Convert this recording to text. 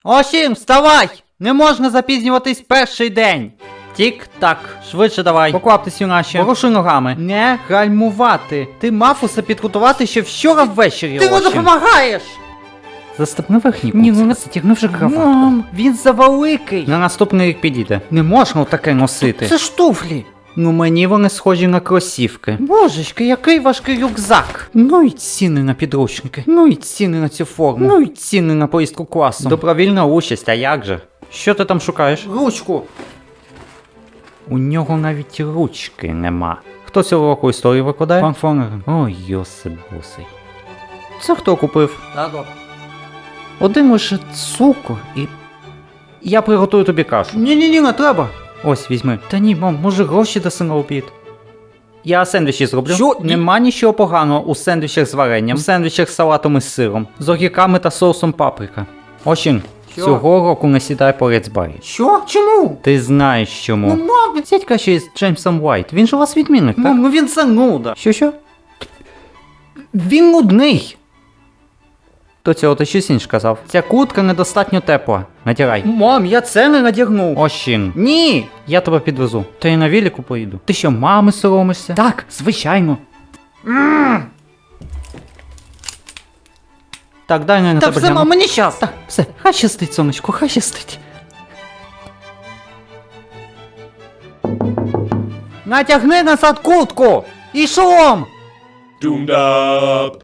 Осім, вставай! Не можна запізнюватись перший день. Тік-так, швидше давай. Покваптесь, юначе. Порушуй ногами. Не гальмувати. Ти мав усе підготувати ще вчора ввечері. Ти не допомагаєш! Застепни верхній Ні, пункт. ну не затягни вже крафа. Мам, він завеликий. На наступний рік підійде. Не можна таке носити. Це ж туфлі. Ну мені вони схожі на кросівки. Божечки, який важкий рюкзак. Ну і ціни на підручники. Ну і ціни на цю форму. Ну і ціни на поїздку класом. Добровільна участь, а як же? Що ти там шукаєш? Ручку. У нього навіть ручки нема. Хто цього року історію викладає? Пан Фонерен. Ой, Йосип босий. Це хто купив? Тато. Один лише цукор і... Я приготую тобі кашу. Ні, не треба. Ось, візьми. Та ні, мам, може гроші даси на обід? Я сендвічі зроблю. Що? Нема нічого поганого у сендвічах з варенням, у сендвічах з салатом із сиром, з огірками та соусом паприка. Очень, Що? цього року не сідай поряд з Баррі. Що? Чому? Ти знаєш чому. Ну, мам, Сядь краще з Джеймсом Уайт, він ж у вас відмінник, так? мам, ну він зануда. Що? Він нудний. До цього ти щось інше казав. Ця куртка недостатньо тепла. Натягай. Мам, я це не надягнув. Ощін. Ні. Я тебе підвезу. Та й на велику поїду. Ти що, мами соромишся? Так, звичайно. Так, дай на Та тебе все, гляну. мам, мені щас. Так, все, хай щастить, сонечко, хай щастить. Натягни назад куртку. І шолом. Doomed up.